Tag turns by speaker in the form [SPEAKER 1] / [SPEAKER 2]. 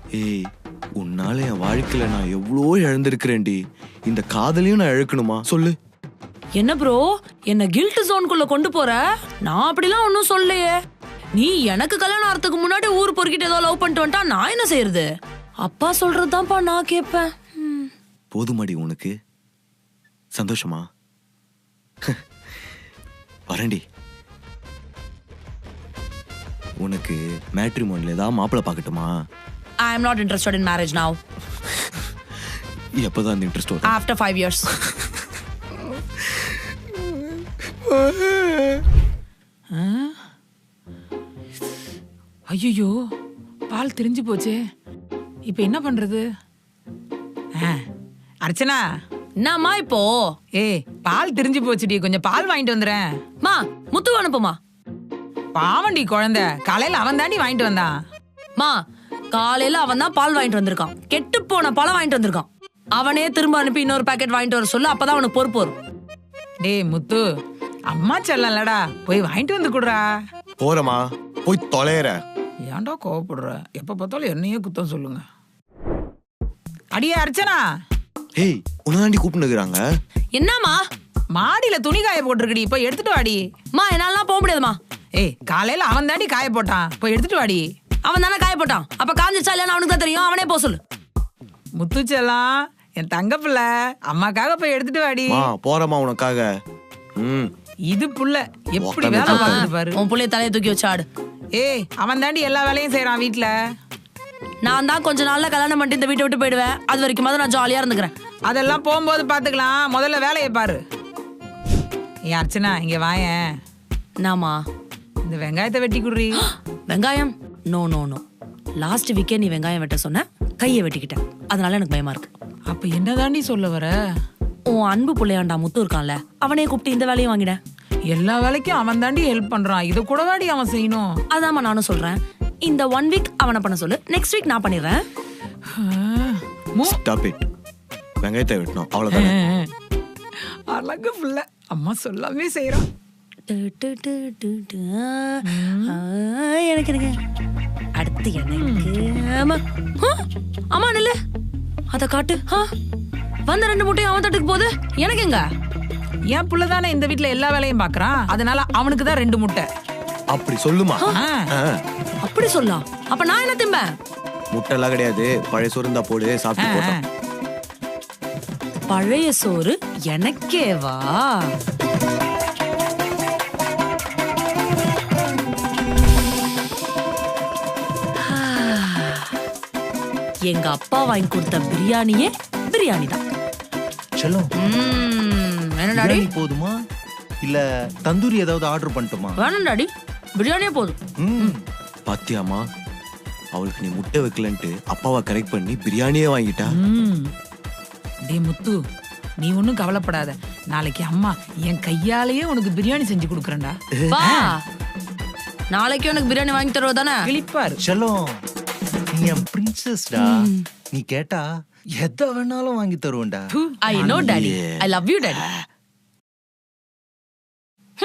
[SPEAKER 1] ஏய், உன்னால என் வாழ்க்கையில நான் எவ்வளோ இழந்திருக்கிறேன்டி. இந்த காதலையும் நான் இழக்கணுமா சொல்லு?
[SPEAKER 2] என்ன ப்ரோ, என்ன கில்ட் ஜோனுக்குள்ள கொண்டு போற? நான் அப்படிலாம் ஒன்னும் சொல்லலையே. நீ எனக்கு கல்யாணம் ஆறதுக்கு முன்னாடி ஊர் பொறுக்கிட்டு ஏதோ லவ் பண்ணிட்டு வந்துட்டா நான் என்ன செய்யறது? அப்பா சொல்றதுதான்ப்பா நான் கேட்பேன்.
[SPEAKER 1] போதுமாடி உனக்கு? சந்தோஷமா? வரேன்டி. உனக்கு மேட்ரிமோனில ஏதாவது மாப்பிள்ளை பார்க்கட்டுமா?
[SPEAKER 2] I am not interested in marriage now.
[SPEAKER 1] எப்பதான் அந்த இன்ட்ரெஸ்ட் வரும்?
[SPEAKER 2] After 5 years.
[SPEAKER 3] ஐயோ, பால் திரிஞ்சு போச்சே. இப்ப என்ன பண்றது? அர்ச்சனா,
[SPEAKER 2] என்னம்மா இப்போ?
[SPEAKER 3] ஏய், பால் திரிஞ்சு போச்சுடி, கொஞ்சம் பால் வாங்கிட்டு வந்துறேன்.
[SPEAKER 2] மா, முத்து அனுப்புமா.
[SPEAKER 3] பாவண்டி குழந்தை, காலையில அவன் தாண்டி வாங்கிட்டு வந்தான்.
[SPEAKER 2] மா, காலையில அவன் தான் பால் வாங்கிட்டு வந்திருக்கான். கெட்டு போன பழம் வாங்கிட்டு வந்திருக்கான். அவனே திரும்ப அனுப்பி இன்னொரு பாக்கெட் வாங்கிட்டு வர சொல்லு, அப்பதான் அவனுக்கு பொறுப்பு வரும்.
[SPEAKER 3] டேய் முத்து, அம்மா செல்லலடா, போய் வாங்கிட்டு வந்து குடுறா.
[SPEAKER 1] போறமா, போய் தொலைற.
[SPEAKER 3] ஏன்டா கோவப்படுற? எப்ப பார்த்தாலும் என்னையே குத்தம் சொல்லுங்க. அடியே அர்ச்சனா.
[SPEAKER 1] ஏய், உன்னதாண்டி கூப்பிட்டுக்கிறாங்க.
[SPEAKER 2] என்னம்மா?
[SPEAKER 3] மாடியில துணி காய போட்டிருக்கடி, போய் எடுத்துட்டு வாடி.
[SPEAKER 2] மா, என்னாலாம் போக முடியாதுமா.
[SPEAKER 3] ஏய், காலையில அவன் தாண்டி காய போட்டான், போய் எடுத்துட்டு வாடி.
[SPEAKER 2] அவன் தானே காய போட்டான், அப்ப காஞ்சிச்சா இல்லைன்னு அவனுக்கு தான் தெரியும். அவனே போக சொல்லு.
[SPEAKER 3] முத்து செல்லம், என் தங்க பிள்ளை, அம்மாக்காக போய் எடுத்துட்டு வாடி.
[SPEAKER 1] போறமா உனக்காக.
[SPEAKER 3] இது புள்ள எப்படி வேலை பார்க்குது பாரு.
[SPEAKER 2] உன் புள்ளைய தலையை தூக்கி வச்சு ஆடு.
[SPEAKER 3] ஏய், அவன் தாண்டி எல்லா வேலையும் செய்யறான் வீட்டுல.
[SPEAKER 2] நான் தான் கொஞ்ச நாள்ல கல்யாணம் பண்ணிட்டு இந்த வீட்டை விட்டு போயிடுவேன். அது வரைக்கும் நான் ஜாலியா இருந்துக்கிறேன்.
[SPEAKER 3] அதெல்லாம் போகும்போது பாத்துக்கலாம், முதல்ல வேலையை பாரு. ஏன் அர்ச்சனா, இங்க வாயேன்.
[SPEAKER 2] நாமா,
[SPEAKER 3] இந்த வெங்காயத்தை வெட்டி குடுறி.
[SPEAKER 2] வெங்காயம்? No no no. லாஸ்ட் வீக்கே நீ வெங்காயம் வெட்ட சொன்ன, கையை வெட்டிக்கிட்டேன். அதனால எனக்கு பயமா இருக்கு.
[SPEAKER 3] அப்ப என்னதாண்டி சொல்ல வர?
[SPEAKER 2] உன் அன்பு புள்ளையாண்டா முத்து இருக்கான்ல, அவனே கூப்பிட்டு இந்த வேலையும் வாங்கிட.
[SPEAKER 3] எல்லா வேலைக்கும் அவன் தாண்டி ஹெல்ப் பண்றான், இத கூட வாடி அவன் செய்யணும்.
[SPEAKER 2] அதாம்மா நானும் சொல்றேன். இந்த 1 வீக் அவனை பண்ண சொல்லு, நெக்ஸ்ட் வீக் நான் பண்ணிடுறேன்.
[SPEAKER 1] Stop it. வெங்காயத்தை வெட்டணும், அவ்வளவுதான்.
[SPEAKER 3] அழகு புள்ள, அம்மா சொல்லாமே செய்யறான்.
[SPEAKER 2] எனக்கு எனக்கு அடுத்து எனக்கு அம்மா நில்லு, அத காட்டு. வந்த 2 முட்டையும் அவன் தட்டுக்கு போகுது, எனக்கு எங்க?
[SPEAKER 3] என் புள்ளதானே இந்த வீட்டுல எல்லா வேலையும் பாக்குறான், அதனால அவனுக்கு தான் 2 முட்டை.
[SPEAKER 1] அப்படி சொல்லுமா?
[SPEAKER 2] அப்படி சொல்லலாம். அப்ப நான் என்ன திம்பேன்?
[SPEAKER 1] முட்டை எல்லாம் கிடையாது, பழைய சோறு இருந்தா போடு, சாப்பிட்டு போட்டோம்.
[SPEAKER 2] பழைய சோறு எனக்கேவா? எங்க அப்பா வாங்கி கொடுத்த பிரியாணியே பிரியாணி தான்.
[SPEAKER 4] செல்லம்,
[SPEAKER 2] என்ன டாடி?
[SPEAKER 4] போதுமா இல்ல தந்தூரி ஏதாவது ஆர்டர் பண்ணட்டுமா?
[SPEAKER 2] வேணும் டாடி, பிரியாணியே போதும்.
[SPEAKER 1] பாத்தியாமா, அவளுக்கு நீ முட்டை வைக்கலன்ட்டு அப்பாவை கரெக்ட் பண்ணி பிரியாணியே வாங்கிட்டா.
[SPEAKER 3] டேய் முத்து, நீ ஒன்னும் கவலைப்படாத, நாளைக்கு அம்மா என் கையாலேயே உனக்கு பிரியாணி செஞ்சு கொடுக்குறேன்டா.
[SPEAKER 2] வா, நாளைக்கு உனக்கு பிரியாணி வாங்கி தருவதானே?
[SPEAKER 3] கிளிப்பாரு.
[SPEAKER 4] செல்லம், நீ என் பிரின்சஸ்டா, நீ கேட்டா எதை வேணாலும் வாங்கி தருவேன்டா.
[SPEAKER 2] I know daddy, I love you daddy.